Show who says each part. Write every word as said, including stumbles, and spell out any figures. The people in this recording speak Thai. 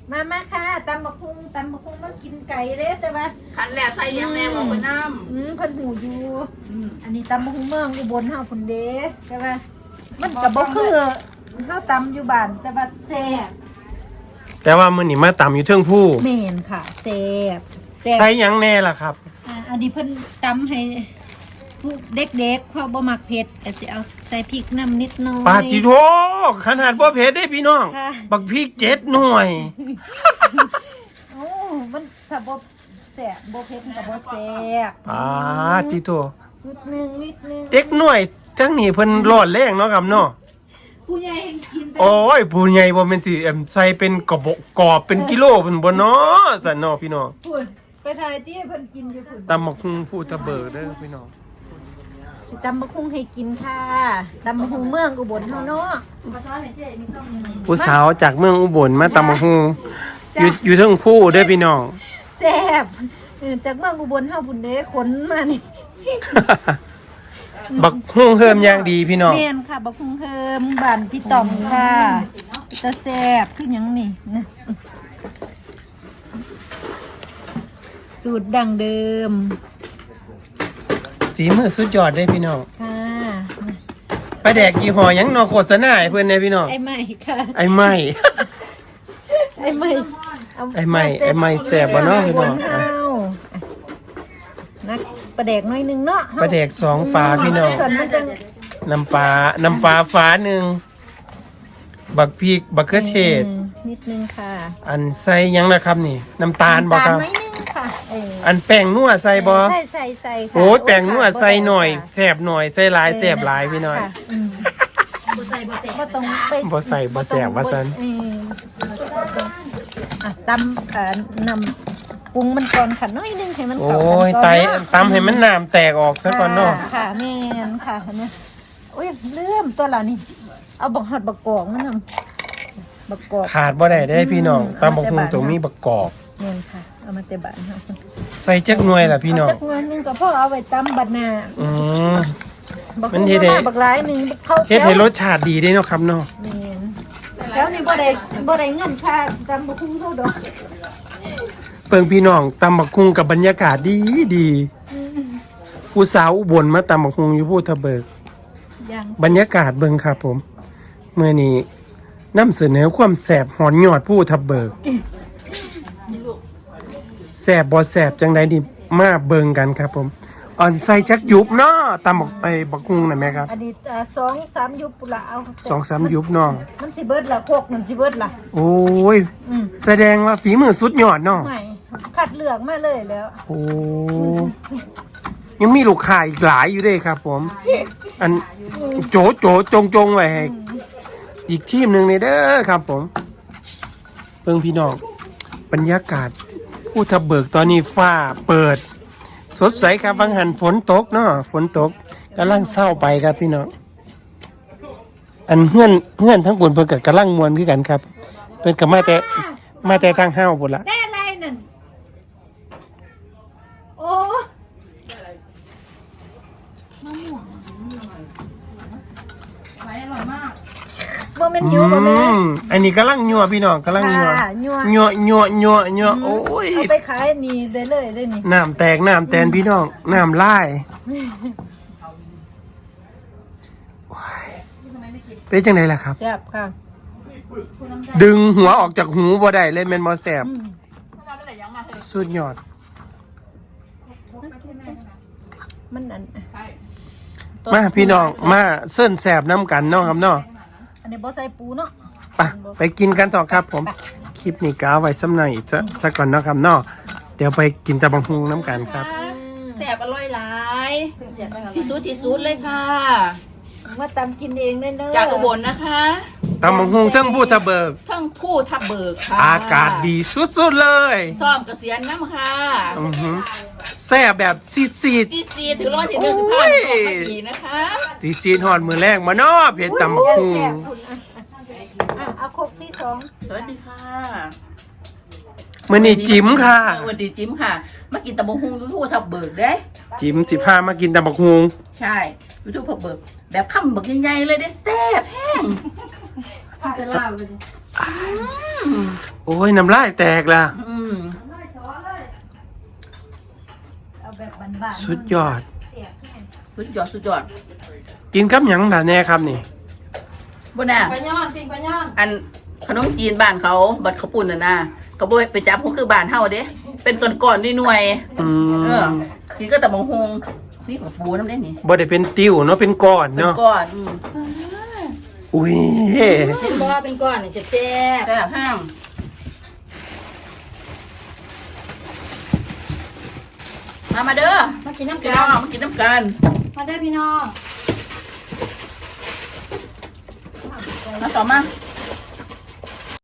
Speaker 1: มามาค่ะตำมะพุงตำมะพุงมันกินไก่เด้แต่ว่า
Speaker 2: ขันแหล่ใส่ยังแน่บอกไปน้ำ
Speaker 1: อืมเพิ่นหูอยู่อันนี้ตำมะพุงเมืองอุบลเฮาพุ่นเด้แต่ว่ามันก็บ่คือเฮาตำอยู่บ้านแต่ว่าแซ่บ
Speaker 3: แต่ว่ามื้อนี้มาตำอยู่เทิงผู้
Speaker 1: แม่นค่ะแซ่บแซ่บ
Speaker 3: ใส่หยังแน่ล่ะครับ
Speaker 1: อ่าอันนี้เพิ่นตำให้ผู้เด็กๆเพราะบ่มักเผ็ดก็สิเอาใส่พริกน้ำนิดหน่อย
Speaker 3: ปาจิโทขนาดบ่เผ็ดได้พี่น้อง
Speaker 1: ค่ะ
Speaker 3: บักพริกเจ็ดหน่วย
Speaker 1: โอ้มันถ้าบ่แซ่บบ่เผ็ดมันก็บ่แซ่บ
Speaker 3: ปาจิโท
Speaker 1: นิดนึงนิดนึง
Speaker 3: เด็กหน่วยจังนี่เพิ่นรอดแรงเนาะครับเนาะ
Speaker 1: ผู้ใหญ่ให้กินไป
Speaker 3: โอ้ยผู้ใหญ่บ่แม่นสิเอิ่มใส่เป็นกระบอกกรอบเป็นกิโลเพิ่นบ่เนาะสั่นเนาะพี่น้อง
Speaker 1: พุ่นไปถ่ายที่เพิ่นกินอยู่พุ่น
Speaker 3: ตำบักหุ่งผู้ตะเบิดเด้อพี่น้อง
Speaker 1: สิตำบักหุ่งให้กินค่ะตำบักหุ่งเมืองอุบลเฮาเนาะ
Speaker 3: ผู้สาวจากเมืองอุบลมาตำบักหุ่งอยู่อยู่เทิงผู้เด้อพี่น้อง
Speaker 1: แซ่บเออจากเมืองอุบลเฮาพุ่นเด้ขนมานี่
Speaker 3: บักหุ่งเฮิมอย่างดีพี่น้อง
Speaker 1: แม่นค่ะบักหุ่งเฮิมบ้านพี่ต่อมค่ะตะแซ่บคือหยังนี่นะสูตรดั้งเดิม
Speaker 3: สีมือสุดยอดเด้อพี่น้อง
Speaker 1: ค่ะ
Speaker 3: ปลาแดกยี่ห้อหยังเนาะโฆษณาให้เพิ่นแน่พี่น้อง
Speaker 1: ไอ้ใหม่ค่ะ
Speaker 3: ไอ้ไม้
Speaker 1: ไอ้ใหม่เา
Speaker 3: ไอ้ใหม่ไอ้ใหม่แซ่บบ่เนาะพี่น้อง
Speaker 1: เานักประแดกหน้อยหนึงเนาะ
Speaker 3: ปลาแดกสองฝาพี่น้อง
Speaker 1: ส่วนมันจะ
Speaker 3: น้ำปลา น้ำปลาฝาหนึ่ง บักพริก บักเขือเทศ
Speaker 1: อืมนิดนึงค่ะ
Speaker 3: อันใส่หยังนะครับนี่ น้ำตาลบ่ครับ
Speaker 1: น้ำตาลน้อยนึงค่ะเออ
Speaker 3: อันแป้งนัวใส่บ่
Speaker 1: ใส่ใส่ใส่ค่ะ
Speaker 3: โอ้ยแป้งนัวใส่หน่อย
Speaker 1: ค่ะ
Speaker 3: แซ่บหน่อย ใส่หลายแซ่บหลายพี่น้อย
Speaker 1: ค่ะอืม
Speaker 2: บ่ใส่บ่ใส่
Speaker 1: บ่ต้องไป
Speaker 3: บ่ใส่บ่แซ่บว่าซั่น
Speaker 1: เอออ่ะตำเอ่อนำปรุงมันก่อนค่ะน้อยนึงให้มัน
Speaker 3: โอ้
Speaker 1: เข้ากัน
Speaker 3: ย
Speaker 1: ก่อน
Speaker 3: ไต
Speaker 1: เนาะ
Speaker 3: ตำให้มันน้ำแตกออกซะก่อนเนาะ
Speaker 1: ค่ะค่ะแม่นค่ะเนี่ยโอ้ยลืมตัวละนี่ เอาบักฮอดบักกอกมันนำบักกอก
Speaker 3: ขาดบ่ได้เด้อพี่น้องตำบักหุ่งต้องมีบักกอก
Speaker 1: แม่นค่ะ เอามาแต่บ้านเฮา
Speaker 3: ใส่จักหน่วยล่ะพี่น้อง
Speaker 1: เาจักเงินหนึงก็พอเอาไว้ตำบัดหน้า
Speaker 3: อืม
Speaker 1: บัก
Speaker 3: มัน
Speaker 1: ฮุ่ง
Speaker 3: เฮ็ดให้
Speaker 1: มาบักหลายหนึงเข้า
Speaker 3: เฮ็ดให้รสชาติดีเด้เนาะครับเนาะ
Speaker 1: แม่นแล้วนี่บ่ได้บ่ได้เงินค่าตำบักหุ่งเท่าดอก
Speaker 3: เปิงพี่น้องตำบักหุ่งกับบรรยากาศดีดีผู้สาวอุบลมาตำบักหุ่งอยู่พูทะเบิก
Speaker 1: ยัง
Speaker 3: บรรยากาศเบิ่งครับผมเมื่อนี้นำเสนอความแสบหอนยอดผู้ทะเบิกแสบบ่แสบจังใดนี่มาเบิ่งกันครับผมอ่อนใส่จักยุบเนาะตำบักไอ้บักหุ่งน่ะแม่ครับ
Speaker 1: อันนี้อ่าสองสามยุบปุนละเอา
Speaker 3: สองสามยุบเนาะ
Speaker 1: มันสิเบิดละโคกมันสิเบิดละ
Speaker 3: โอ้ย
Speaker 1: อืม
Speaker 3: แสดงว่าฝีมือสุดยอดเนาะ
Speaker 1: ไม่คัดเลือกมาเลยแล้ว
Speaker 3: โอ้ยังมีลูกค้าอีกหลายอยู่เด้ครับผม อันโจโจจงจงไว้ให้อีกทีมหนึ่งในเด้อครับผมเพิ่งพี่น้องบรรยากาศผู้ทับเบิกตอนนี้ฟ้าเปิด สดใสครับบางหันฝนตกเนาะฝนตกกำลังเศร้าไปครับพี่น้องอันเฮือนเฮือนทั้งบนเพิ่นกับกำลังมวนคือกันครับเพิ่นกับมาแต่มาแต่ทางห้าวบุญละ
Speaker 1: ได้อะไรนั่นโอ้
Speaker 2: ไว้อร่อยมาก
Speaker 1: บ่แม่นหิวบ่แม่
Speaker 3: อืมอันนี้กำลังยัวพี่น้องกำลังยัว
Speaker 1: ค่ะยั่ว
Speaker 3: ยัวยัวยัวยัวโอ้ย
Speaker 1: เอาไปขายนี่ได้เลยได้นี่
Speaker 3: น้ำแตกน้ำแตนพี่น้องน้ำลายโอ้ยเป็นจังไดล่ะครับ
Speaker 1: แซ่บค่ะ
Speaker 3: ดึงหัวออกจากหูบ่ได้เลยแม่นบ่แสบ
Speaker 1: อืม
Speaker 3: สุดยอด
Speaker 1: มันอัน
Speaker 3: มาพี่น้องมาเส้นแสบน้ำกันเนาะครับเนาะ
Speaker 1: อันนี้บ่ใส่ปูเนาะ
Speaker 3: ไปไปกินกันต่อครับผม คลิปนี้ก็เอาไว้ซ้ำหน่อยจะจะก่อนเนาะครับเนาะเดี๋ยวไปกินตะบังฮุงน้ำกันครับ
Speaker 2: แซ่บอร่อยหลายที่สุดที่สุดเลยค่ะ
Speaker 1: มาตำกินเองเด้อเด้อ
Speaker 2: จากอุบลนะคะ
Speaker 3: ตะบังฮุงเชิงผู้ทะเบิก
Speaker 2: ทั้งผู้ทับเบิกค่ะ
Speaker 3: อากาศดีสุดๆเลย
Speaker 2: ซ่อมเกษียณน้ำค่ะ
Speaker 3: อือหือแซ่บแบบซีดซีด
Speaker 2: ที่สี่ถึงร้อยถึงเดือนสิบห้าออกมาอีกนะคะ
Speaker 3: ซีซีดหอดมือแรกมาเนาะเพชรตำบักฮุง
Speaker 1: แซ่บคุณอ่ะอ่ะเอาครกที่สอง
Speaker 2: สวัสดีค่ะ
Speaker 3: มือนี่จิ๋มค่ะ
Speaker 2: สวัสดีจิ๋มค่ะ มากินตะบงฮุงยูทูบทับเบิกเด้
Speaker 3: จิ๋มสิพามากินตำบักฮุง
Speaker 2: ใช่ยูทูบทับเบิกแบบข้ามเบิกใหญ่ๆเลยได้แซ่บแห้งจะเล่าเลย
Speaker 3: โอ้ยน้ำลายแตกละ
Speaker 2: อืม
Speaker 1: เอาแบบบ้านๆ
Speaker 3: สุดยอด
Speaker 1: เสียบแห้ง
Speaker 2: สุดยอดสุดยอด
Speaker 3: กินกับหยังล่ะแน่ครับนี่
Speaker 2: บนน่ะ
Speaker 1: ปลาย่อนปิ้งปลาย่อน
Speaker 2: อันขนมจีนบ้านเขาบัดเขาวปุ่นน่ะนะก็บ่ไปจับพวกคือบ้านเฮาเด้เป็นต้นก่อนด้วยหน่วย
Speaker 3: อื
Speaker 2: เออ
Speaker 3: ม
Speaker 2: นี่ก็แต่บางฮงนี่กับปูน้ำได้นี่
Speaker 3: บ่ได้เป็นติ้วเนาะเป็นก้อน
Speaker 2: เป็น
Speaker 3: เนาะ
Speaker 2: ก้อนอืม
Speaker 3: อุ้ย
Speaker 1: เป็นบ่เป็นก้อนนี่แซ่บ
Speaker 2: แต่ห้างมามาเด้อ
Speaker 1: ๆมากินน้ำ
Speaker 2: พี่
Speaker 1: กั
Speaker 2: น้อน งมากินน้ำกัน
Speaker 1: มาเด้อพี่น้อง
Speaker 2: มาต่อมา